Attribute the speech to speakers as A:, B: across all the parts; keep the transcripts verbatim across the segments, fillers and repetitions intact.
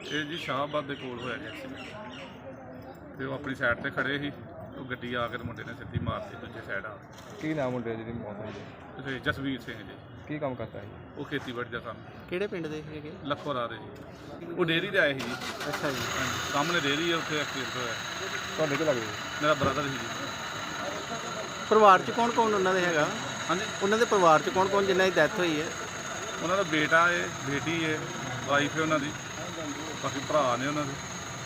A: ਇਹ ਜੀ ਸ਼ਾਹਬਾਦ ਦੇ ਕੋਲ ਹੋਇਆ ਜੀ ਐਕਸੀਡੈਂਟ। ਤੇ ਉਹ ਆਪਣੀ ਸਾਈਡ ਤੇ ਖੜੇ ਸੀ, ਉਹ ਗੱਡੀ ਆ ਕੇ ਮੁੰਡੇ ਨੇ ਸਿੱਧੀ ਮਾਰਤੀ ਦੂਜੇ ਸਾਈਡ ਆ।
B: ਕੀ ਨਾਮ ਮੁੰਡੇ ਜਿਹਦੀ ਮੌਤ ਹੋਈ ਹੈ?
A: ਤੇ ਜਸਵੀਰ ਸਿੰਘ ਜੀ,
B: ਕੀ ਕੰਮ ਕਰਦਾ ਹੈ?
A: ਉਹ ਖੇਤੀਬਾੜੀ ਦਾ ਕੰਮ।
C: ਕਿਹੜੇ ਪਿੰਡ ਦੇ ਹੈਗੇ?
A: ਲੱਖੋਰਾ ਦੇ ਜੀ। ਉਹ ਡੇਅਰੀ ਤੇ ਆਏ ਸੀ ਜੀ।
C: ਅੱਛਾ ਜੀ।
A: ਹਾਂਜੀ, ਸਾਹਮਣੇ ਡੇਅਰੀ ਹੈ, ਉੱਥੇ ਐਕਸੀਡੈਂਟ ਹੋਇਆ।
B: ਤੁਹਾਡੇ ਕੀ ਲੱਗਦਾ?
A: ਮੇਰਾ ਬ੍ਰਦਰ ਸੀ ਜੀ।
C: ਪਰਿਵਾਰ 'ਚ ਕੌਣ ਕੌਣ ਉਹਨਾਂ ਦੇ ਹੈਗਾ?
A: ਹਾਂਜੀ,
C: ਉਹਨਾਂ ਦੇ ਪਰਿਵਾਰ 'ਚ ਕੌਣ ਕੌਣ ਜਿਨ੍ਹਾਂ ਦੀ ਡੈਥ ਹੋਈ ਹੈ?
A: ਉਹਨਾਂ ਦਾ ਬੇਟਾ ਹੈ, ਬੇਟੀ ਹੈ, ਵਾਈਫ ਹੈ ਉਹਨਾਂ ਦੀ, ਬਾਕੀ ਭਰਾ ਨੇ ਉਹਨਾਂ ਦੇ।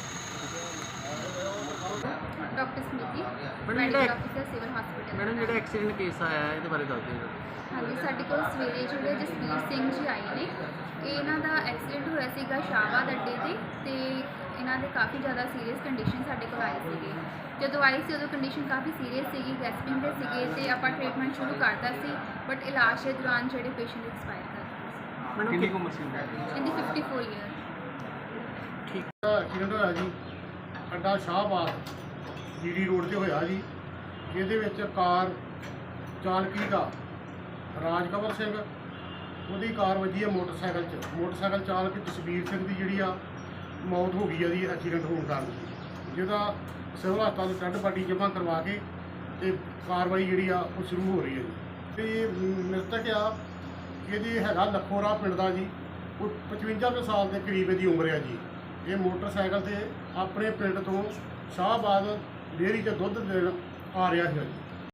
D: ਡਾਕਟਰ ਸਮਿਤੀ,
C: ਮੈਡਮ
D: ਮੈਡੀਕਲ
C: ਜਿਹੜਾ
D: ਅਫਸਰ ਸਿਵਲ ਹਸਪੀਟਲ।
C: ਮੈਡਮ ਜਿਹੜਾ ਐਕਸੀਡੈਂਟ ਕੇਸ ਆਇਆ ਹੈ, ਇਹਦੇ ਬਾਰੇ ਦੱਸ ਦਿਓ।
D: ਹਾਂਜੀ, ਸਾਡੇ ਕੋਲ ਸਵੇਰੇ ਜਿਹੜੇ ਜਸਵੀਰ ਸਿੰਘ ਜੀ ਆਏ ਨੇ, ਇਹ ਇਹਨਾਂ ਦਾ ਐਕਸੀਡੈਂਟ ਹੋਇਆ ਸੀਗਾ ਸ਼ਾਹਬਾਦ ਅੱਡੇ ਤੇ ਤੇ ਇਹਨਾਂ ਦੇ ਕਾਫੀ ਜ਼ਿਆਦਾ ਸੀਰੀਅਸ ਕੰਡੀਸ਼ਨ ਸਾਡੇ ਕੋਲ ਆਏ ਸੀਗੇ। ਜਦੋਂ ਆਏ ਸੀ ਉਦੋਂ ਕੰਡੀਸ਼ਨ ਕਾਫੀ ਸੀਰੀਅਸ ਸੀਗੀ, ਗੈਸਪਿੰਗ ਦੇ ਸੀਗੇ ਤੇ ਆਪਾਂ ਟ੍ਰੀਟਮੈਂਟ ਸ਼ੁਰੂ ਕਰਤਾ ਸੀ, ਬਟ ਇਲਾਜ ਦੇ ਦੌਰਾਨ ਜਿਹੜੇ ਪੇਸ਼ੈਂਟ ਐਕਸਪਾਇਰ ਕਰ ਗਏ
C: ਮੈਡਮ ਕਿੰਨੀ ਉਮਰ ਸੀ?
D: ਸੀ। ਇਹਦੀ ਫਿਫਟੀ ਫੋਰ ਈਅਰ।
E: ਐਕਸੀਡੈਂਟ ਹੋਇਆ ਜੀ ਅੱਡਾ ਸ਼ਾਹਬਾਦ ਜੀਡੀ ਰੋਡ ਤੇ ਹੋਇਆ ਜੀ, ਜਿਹਦੇ ਵਿੱਚ ਕਾਰ ਚਾਲਕੀ ਦਾ ਰਾਜਕਵਰ ਸਿੰਘ, ਉਹਦੀ ਕਾਰ ਵੱਜੀ ਹੈ ਮੋਟਰਸਾਈਕਲ 'ਚ। ਮੋਟਰਸਾਈਕਲ ਚਾਲਕ ਜਸਵੀਰ ਸਿੰਘ ਦੀ ਜਿਹੜੀ ਆ ਮੌਤ ਹੋ ਗਈ ਆ ਜੀ ਐਕਸੀਡੈਂਟ ਹੋਣ ਕਾਰਨ, ਜਿਹਦਾ ਸਿਵਲ ਹਸਪਤਾਲ ਡੈੱਡ ਬਾਡੀ ਜਮ੍ਹਾਂ ਕਰਵਾ ਕੇ ਤੇ ਕਾਰਵਾਈ ਜਿਹੜੀ ਆ ਉਹ ਸ਼ੁਰੂ ਹੋ ਰਹੀ ਹੈ ਜੀ। ਤੇ ਮ੍ਰਿਤਕ ਆ ਇਹਦੀ ਹੈਗਾ ਲੱਖੋਰਾ ਪਿੰਡ ਦਾ ਜੀ, ਉਹ ਪਚਵੰਜਾ ਕੁ ਸਾਲ ਦੇ ਕਰੀਬ ਇਹਦੀ ਉਮਰ ਹੈ ਜੀ। ਇਹ ਮੋਟਰਸਾਈਕਲ ਤੇ ਆਪਣੇ ਪਿੰਡ ਤੋਂ ਸ਼ਾਹਬਾਦ ਡੇਅਰੀ 'ਚ ਦੁੱਧ ਦੇਣ ਆ ਰਿਹਾ ਸੀ ਜੀ।